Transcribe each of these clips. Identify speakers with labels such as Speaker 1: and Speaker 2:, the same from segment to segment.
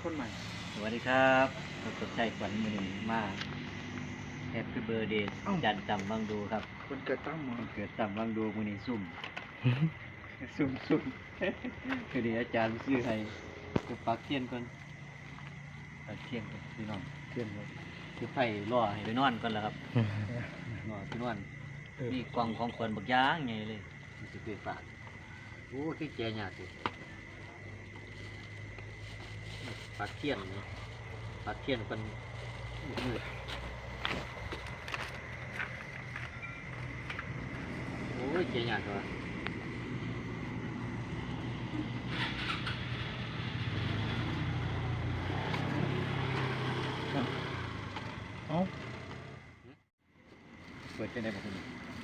Speaker 1: คนใหม่
Speaker 2: สวัสดีครับผมสดใจขวัญมือหนึ่งมาแฮปปี้เบ t ร์ a เดย์จันต่ำวังดูครับ
Speaker 1: คนเกิดตั้งหมอ
Speaker 2: เกิดต่ำวังดูมือนี้ซุ่มคือดีอาจารย์ซื้อให้จะปักเทียนก่อนปักเทียนก่อนพี่น้องเทียนเลยคือไฟล่อให้ไปนอนก่อนแล้วครับนอนไปนอนนี่กล่องของขวัญบักย่างไงเลยมันจะเป็นฝาดโอ้ที่แจยากสิปักเทียนนี่ปักเทียนเป็นมืดโอ้ยแจยากเลย
Speaker 1: เอา
Speaker 2: เปิดเป็นได้บอกคุณ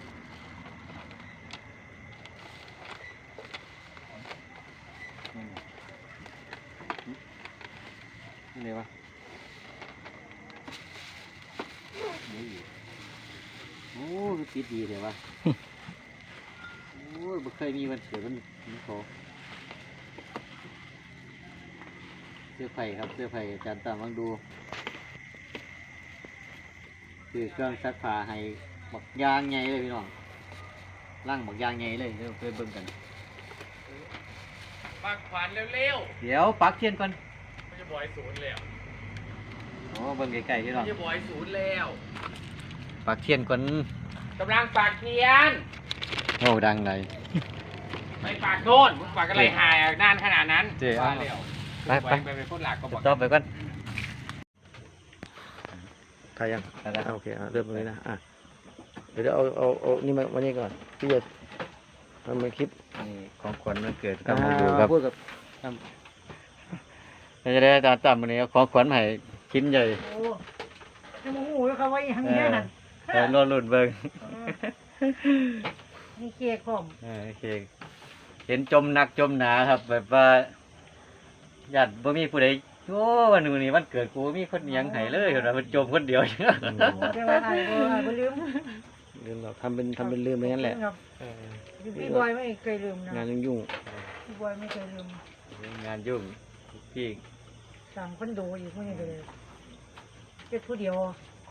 Speaker 2: นี่เลยวะโอ้ปิดดีเลยวะโอ้ยไม่เคยมีวันเกิดมันโตเสื้อไผ่ครับเสื้อไผ่อาจารย์ตามวังดูคือเครื่องซักผ้าให้บักยางใหญ่เลยพี่น้องร่างบักยางใหญ่เลยเดี๋ยวไปเบิ่งกัน
Speaker 3: ปักขวานเร็ว
Speaker 2: เดี๋ยวปักเทียนก่อน
Speaker 3: ๆมันจะบอยศูนย์แล้ว
Speaker 2: โอ้เบิ่งไกลๆพี่น้อง
Speaker 3: มันจะบอยศูนย์แล้ว
Speaker 2: ปักเทียนก่อน
Speaker 3: กำลังปักเทียน
Speaker 2: โอ้ดังเลย
Speaker 3: ไปปักโน่นมึงปักอะไรหายนานขนาดนั้น
Speaker 2: เจ๊
Speaker 3: ว่าเร็ว
Speaker 2: ไป
Speaker 3: พูดหลักก็บอก
Speaker 2: ต่อไปก่อน
Speaker 1: ถ่ายยัง
Speaker 2: โอเค
Speaker 1: เริ่มตรงนี้นะเดี๋ยวเอานี่มานี่ก่อนพี่จะทำเป็นคลิป
Speaker 2: นี่ของขวัญวันเกิดตามมาดูครับ
Speaker 1: พูดกับ
Speaker 2: จะได้อาจารย์ตามวันนี้เอาของขวัญให้ชิ้นใหญ่
Speaker 4: โอ้ยังโมโหอยู่ครับว่าอีหังเนี้ยนั่น
Speaker 2: รอลุ่นเบิ่ง
Speaker 4: นี่เค้กผม
Speaker 2: โอเคเห็นจมหนักจมหนาครับ แบบว่าญาติบ่มีผู้ใดโอ้วันนี้วันเกิดกูมีคนยังให้เลยเห็นว่ามันจมคนเดียว
Speaker 4: โอ้ได้ว่าไอ้บ่ลืม
Speaker 1: ลืมเราทำเป็นลืมไปงั้นแหละ
Speaker 4: ครับพี่บอยไม่เคยลืมนะ
Speaker 1: งานยุ่ง
Speaker 4: พี่บอยไม่เคยลืม
Speaker 2: งานยุ่งพี่
Speaker 4: สั่งคนดูอีกคนนี้เลยเป็นผู้เดียว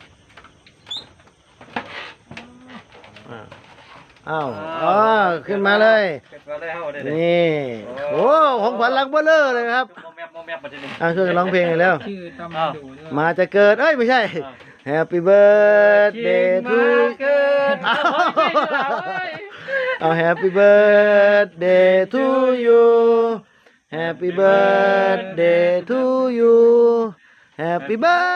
Speaker 1: อ้าวขึ้นมาเลย นี่โอ้ของขวัญรักเบ้อเลอเลยครับช่วยกันร้องเพลงหน่อยแล้ว
Speaker 3: ชื่อตำมาดูด้วย
Speaker 1: มาจะเกิดไม่ใช่ Happy birthday to เอา Happy birthday to you Happy birthday to you Happy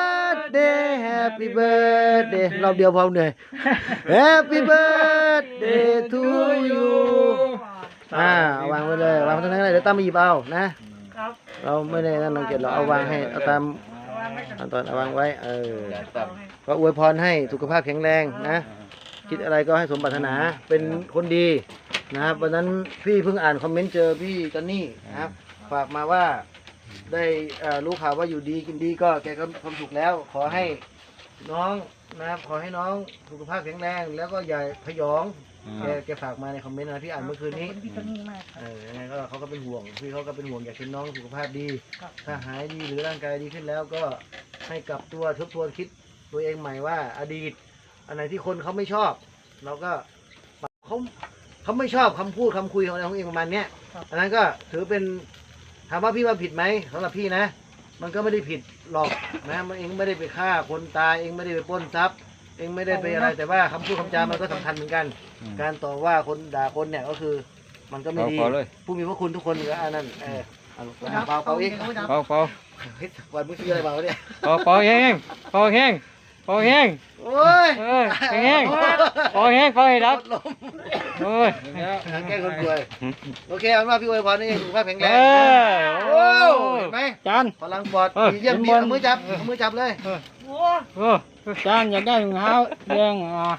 Speaker 1: birthday รอบเดียวพอเหนื่อย Happy birthday to you วางไว้เลยวางตรงนั้นเลยเดี๋ยวตามมาหยิบเอานะครับ เราไม่ได้นั่นรังเกียจเราเอาวางให้เอาตามเอาตอนเอาวางไว้ก็อวยพรให้สุขภาพแข็งแรงนะคิดอะไรก็ให้สมปรารถนาเป็นคนดีนะครับวันนั้นพี่เพิ่งอ่านคอมเมนต์เจอพี่จอนนี่นะครับฝากมาว่าได้รู้ข่าวว่าอยู่ดีกินดีก็แกก็ความสุขแล้วขอให้น้องนะครับขอให้น้องสุขภาพแข็งแรงแล้วก็อย่าพยองแกฝากมาในคอมเมนต์นะพี่อ่านเมื่อคืนนี้
Speaker 4: พี่ตนี่มาก
Speaker 1: ยังไงก็เขาก็เป็นห่วงพี่เขาก็เป็นห่วงอยากเห็นน้องสุขภาพดีถ้าหายดีหรือร่างกายดีขึ้นแล้วก็ให้กลับตัวทบทวนคิดตัวเองใหม่ว่าอดีตอันไหนที่คนเขาไม่ชอบเราก็เขาไม่ชอบคำพูดคำคุยของเราของเองประมาณเนี้ยอันนั้นก็ถือเป็นถามว่าพี่ว่าผิดไหมสำหรับพี่นะมันก็ไม่ได้ผิดหรอกนะมันเองไม่ได้ไปฆ่าคนตายเองไม่ได้ไปปล้นทรัพย์เองไม่ได้ไปอะไรแต่ว่าคำพูดคำจามันก็สำคัญเหมือนกัน การต่อว่าคนด่าคนเนี่ยก็คือมันก็ไม่ดีผู้มีพระคุณทุกคนก็อันนั้นเป่าอีก
Speaker 3: เป่า
Speaker 1: วันมึงซื้ออะไรเปล่าเนี่ย
Speaker 3: เป่าแห้งเป่าแห้ง
Speaker 1: โอ้ย
Speaker 3: แห้งเป่าให้ดับโอ้ย
Speaker 1: แก้คนป่วยโอเคเอาว่าพี่อวยพรนี่สุขภาพแข็งแรงโอ้เห็นไหม
Speaker 3: จาน
Speaker 1: พลังปอดดีเยี่ยมดีเอามือจับเลย
Speaker 4: โอ้
Speaker 3: จานอยากได้ถุงเท้าแดง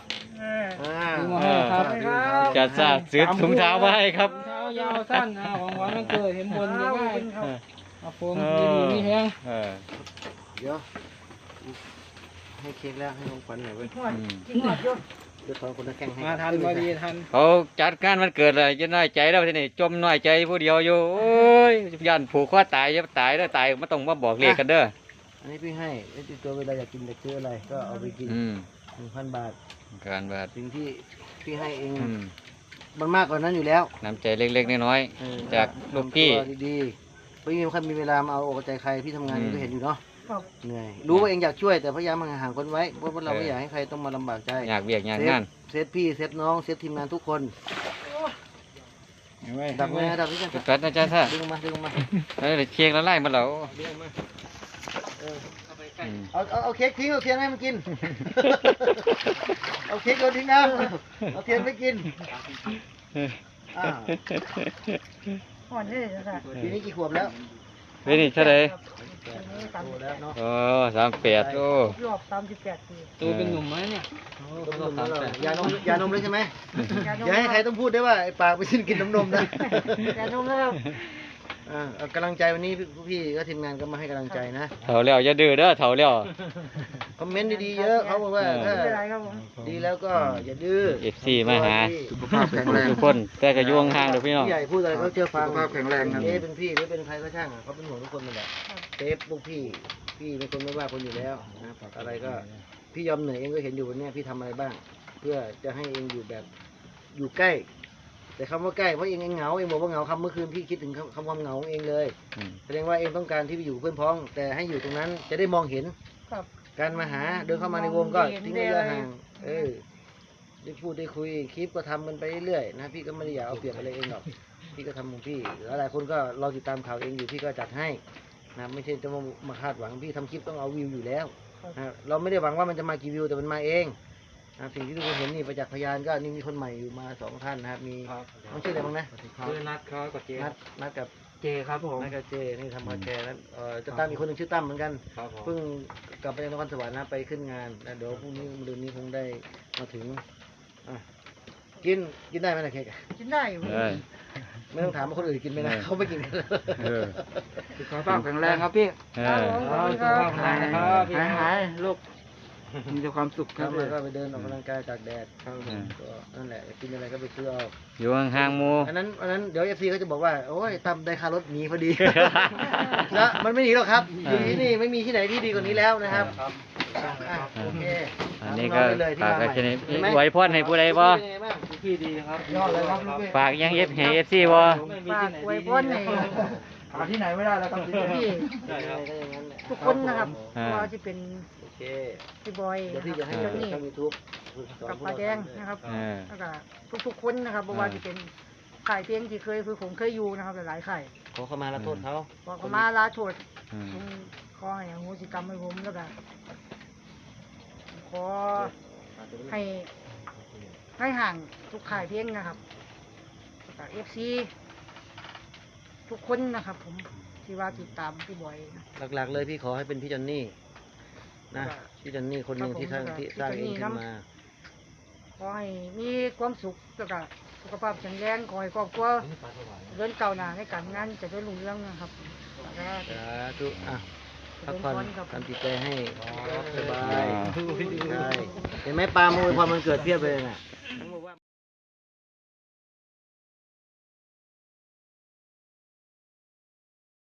Speaker 2: จะสาดซื้อถุงเท้ามาให้ครับ
Speaker 3: เท้ายาวสั้นของหวานมันเกิดเห็นบนง่ายเอาโฟมดีแห้ง
Speaker 1: เดี๋ยวให้เค้กแล้วให้ของขวัญหน่อยเว้ย
Speaker 4: กินหอดอยู่
Speaker 1: เดี๋ยวขอคนละแข่งให้
Speaker 3: มาทันพอดีทัน
Speaker 2: เขาจัดงานวันเกิดเลยจะน้อยใจแล้วทีนี้จมน้อยใจผู้เดียวอยู่โอ้ยย่านผูกคอตายจะตายแล้วตายไม่ต้องมาบอกเลขกันเด้อ
Speaker 1: อันนี้พี่ให้ไอ้ที่ตัวเวลาอยากกินอยากซื้ออะไรก็เอาไปกิน 1,000 บาท
Speaker 2: การบาด
Speaker 1: สิ่งที่พี่ให้เอง
Speaker 2: อืม
Speaker 1: มันมากกว่านั้นอยู่แล้ว
Speaker 2: น้ำใจเล็กๆน้อยๆจากลูกพี่
Speaker 1: ทำตัวดีๆไม่มีใครมีเวลามาเอาอกเอาใจใครพี่ทำงาน
Speaker 2: อืม
Speaker 1: ก็เห็นอยู่เนาะ
Speaker 4: ครับ
Speaker 1: เหนื่อยรู้ว่าเองอยากช่วยแต่พยายามห่างๆคนไว้เพราะว่าเราไม่อยากให้ใครต้องมาลำบากใจ
Speaker 2: อยากเบียกอยากงาน
Speaker 1: เซฟพี่เซฟน้องเซฟทีมงานทุกคน
Speaker 3: เอาไว้
Speaker 1: ดับไงดับพี่กัน
Speaker 2: จุดกัดนะจ๊ะท่า
Speaker 1: ดึงออกมาดึงออกมา
Speaker 2: แล้วเค้กละลายมาแล้ว
Speaker 1: ดึงออกมาเออ
Speaker 2: อืม
Speaker 1: เอาเค้กทิ้งเอาเทียนให้มันกิน เอาเค้กโยนทิ้งนะเอาเทียนไปกินอ้าว
Speaker 4: อ่อนเลยนะคะ
Speaker 1: ปีนี้กี่ขวบแล้ว
Speaker 2: เฮ้ยนี่เท่าไหร่
Speaker 4: ปีนี้
Speaker 1: โตแล้วเนาะ
Speaker 2: โอ้38โอ้
Speaker 4: รอบ38ปี
Speaker 3: ตัวเป็นหนุ่มไหมเนี่ย
Speaker 1: ยานมเลยใช่ไหมอย่าให้ใครต้องพูดได้ว่าไอ้ปากไปชิ้นกินนมนะ
Speaker 4: ยานมแล้วครับ
Speaker 1: เอากำลังใจวันนี้พี่ก็ทีมงานก็มาให้กำลังใจนะ
Speaker 2: เฒ่าแล้วอย่าดื้อเด้อเฒ่าแล้ว
Speaker 1: คอมเมนต์ดีๆเยอะเขาบอกว่าถ้า
Speaker 4: ไม่เป็นไรครับผม
Speaker 1: ดีแล้วก็อย่าดื้อ
Speaker 2: FC มาหา
Speaker 1: สุขภาพแข็งแรง
Speaker 2: ทุกคนแต่ก็อยู่ห่างๆเด้อพี่น้อง
Speaker 1: ผู้ใหญ่พูดอะไรเขาเชื่อฟัง
Speaker 3: สุขภาพแข็งแรงครับ
Speaker 1: เอ๊ะเป็นพี่หรือเป็นใครก็ช่างเขาเป็นห่วงทุกคนนั่นแหละเซฟพวกพี่เป็นคนไม่ว่าคนอยู่แล้วนะอะไรก็พี่ยอมเหนื่อยเองก็เห็นอยู่วันเนี้ยพี่ทำอะไรบ้าง เพื่อจะให้เองอยู่แบบอยู่ใกล้ แต่คำว่าใกล้เพราะเองเหงาเองบอกว่าเหงาคำเมื่อคืนพี่คิดถึงคำความเหงาของเองเลย
Speaker 2: อืม
Speaker 1: แสดงว่าเองต้องการที่ไปอยู่กับเพื่อนพ้อง แต่ให้อยู่ตรงนั้นจะได้มองเห็น
Speaker 4: ครับ
Speaker 1: การมาหาเดินเข้ามาในวงก็ทิ้งระยะห่างได้พูดได้คุยคลิปก็ทำกันไปเรื่อยๆนะพี่ก็ไม่ได้อยากเอาเปรียบอะไรเองหรอกพี่ก็ทำของพี่แล้วหลายคนก็รอติดตามข่าวเองอยู่พี่ก็จัดให้นะไม่ใช่จะมาคาดหวังพี่ทำคลิปต้องเอาวิวอยู่แล้วนะเราไม่ได้หวังว่ามันจะมากี่วิวแต่มันมาเองนะสิ่งที่ทุกคนเห็นนี่ประจักษ์พยานก็นี่มีคนใหม่อยู่มา2 ท่านนะครับมีต้องชื่ออะไรบ้างนะ
Speaker 3: คือนัดเขากับเจ
Speaker 1: นัดกับ
Speaker 3: เจครับผม
Speaker 1: นักกาเจนี่ทำคาแชร์นั้นจะตั้มอีกคนหนึ่งชื่อตั้มเหมือนกัน
Speaker 3: ครับผม
Speaker 1: เพิ่งกลับไปจากนครสวรรค์นะไปขึ้นงานนะเดี๋ยวพรุ่งนี้มื้อนี้คงได้มาถึงอ่ะกินได้ไหมนะเค้กอะ
Speaker 4: กินได้อยู่
Speaker 2: เอ้ย
Speaker 1: ไม่ต้องถามว่าคนอื่นกินไหมนะเขาไม่กินกัน
Speaker 2: เออ
Speaker 3: สุขภาพแข็งแรงครับพี่
Speaker 2: เอ
Speaker 4: ครับ
Speaker 2: อ
Speaker 4: ผมขอบคุณ
Speaker 3: สุ
Speaker 4: ค
Speaker 3: ข
Speaker 4: รับ
Speaker 3: ภาพแข็งแรงนะครับพี่หายลูกมีแต่ความสุข
Speaker 1: ค
Speaker 3: ค
Speaker 1: รั
Speaker 3: รั
Speaker 1: บบ แล้วก็ไปเดินออกกำลังกายตากแดด
Speaker 3: ครับ
Speaker 2: อืม
Speaker 1: ก็นั่นแหละกินอะไรก็ไปซื้อเอา
Speaker 2: อยู่ห่างๆหมู่
Speaker 1: อันนั้นเดี๋ยวเอฟซีเขาจะบอกว่าโอ้ยตั้มได้ค่ารถหนีพอดี แล้วมันไม่หนีหรอกครับอยู่ที่นี่ไม่มีที่ไหนที่ดีกว่านี้แล้วนะครับอ่ะโอเค
Speaker 2: อันนี้ก็
Speaker 1: น้องๆไปเลยที่
Speaker 2: ฝาก
Speaker 1: มา
Speaker 2: กัน
Speaker 1: ใหม่
Speaker 2: แค่นี้
Speaker 1: เห็นไหม
Speaker 2: ไว้พรให้ผู้ใดบ่
Speaker 1: เป็นไงบ้าง
Speaker 3: พี่ดีครับ
Speaker 1: ยอดเลยครับลูกพี่
Speaker 2: ฝากยังให้ FC บ่
Speaker 4: ฝากอวยพรให้
Speaker 3: หาที่ไหนไม่ได้แล้วครับ
Speaker 4: พี่
Speaker 1: ได้ครับก็อย่างนั้นแหละ
Speaker 4: ทุกคนนะครับ
Speaker 2: อ่า
Speaker 4: ว่าจะเป็น
Speaker 1: โอเค
Speaker 4: พี่บอย
Speaker 1: เดี๋ยวพี่
Speaker 4: นะ
Speaker 1: จะ
Speaker 4: ครับ
Speaker 1: ให้
Speaker 4: เจ้านี่
Speaker 1: ช่องยูทูบ
Speaker 4: กับป้าแดงนะครับ
Speaker 2: เออ
Speaker 4: แล้วก็ทุกๆคนนะครับเพราะว่าจะเป็นข่ายเพลงที่ผมเคยอยู่นะครับหลายๆข่าย
Speaker 1: ขอเข้ามาละโทษเขา
Speaker 4: บอกเขามาลาโทษ
Speaker 2: อืม
Speaker 4: ผมขอให้อโหสิกรรมให้ผมแล้วก็ขอให้ห่างทุกข่ายเพลงนะครับแล้วก็FC ทุกคนนะครับ ผมที่ว่าติดตามพี่บอยนะ
Speaker 1: หลักๆเลยพี่ขอให้เป็นพี่จอนนี่นะ
Speaker 4: ครับ
Speaker 1: พี่จอนนี่คนหนึ่งที่สร้าง
Speaker 4: ครับผม
Speaker 1: ที่สร้าง
Speaker 4: พี่
Speaker 1: เอ
Speaker 4: จอนนี่
Speaker 1: งขึ้น
Speaker 4: นำ
Speaker 1: มา
Speaker 4: ขอให้มีความสุขแล้วก็สุขภาพแข็งแรงขอให้ครอบครัวเดินก้าวหน้าในการงานจะได้รุ่งเรืองนะครับแล้วก็
Speaker 1: สาธุอ่ะพักผ่อน
Speaker 4: ครับ
Speaker 1: ทำจิตใจให้สบายใช่เห็นไหมปลาโมยความมันเกิดเพียบเลยน่ะ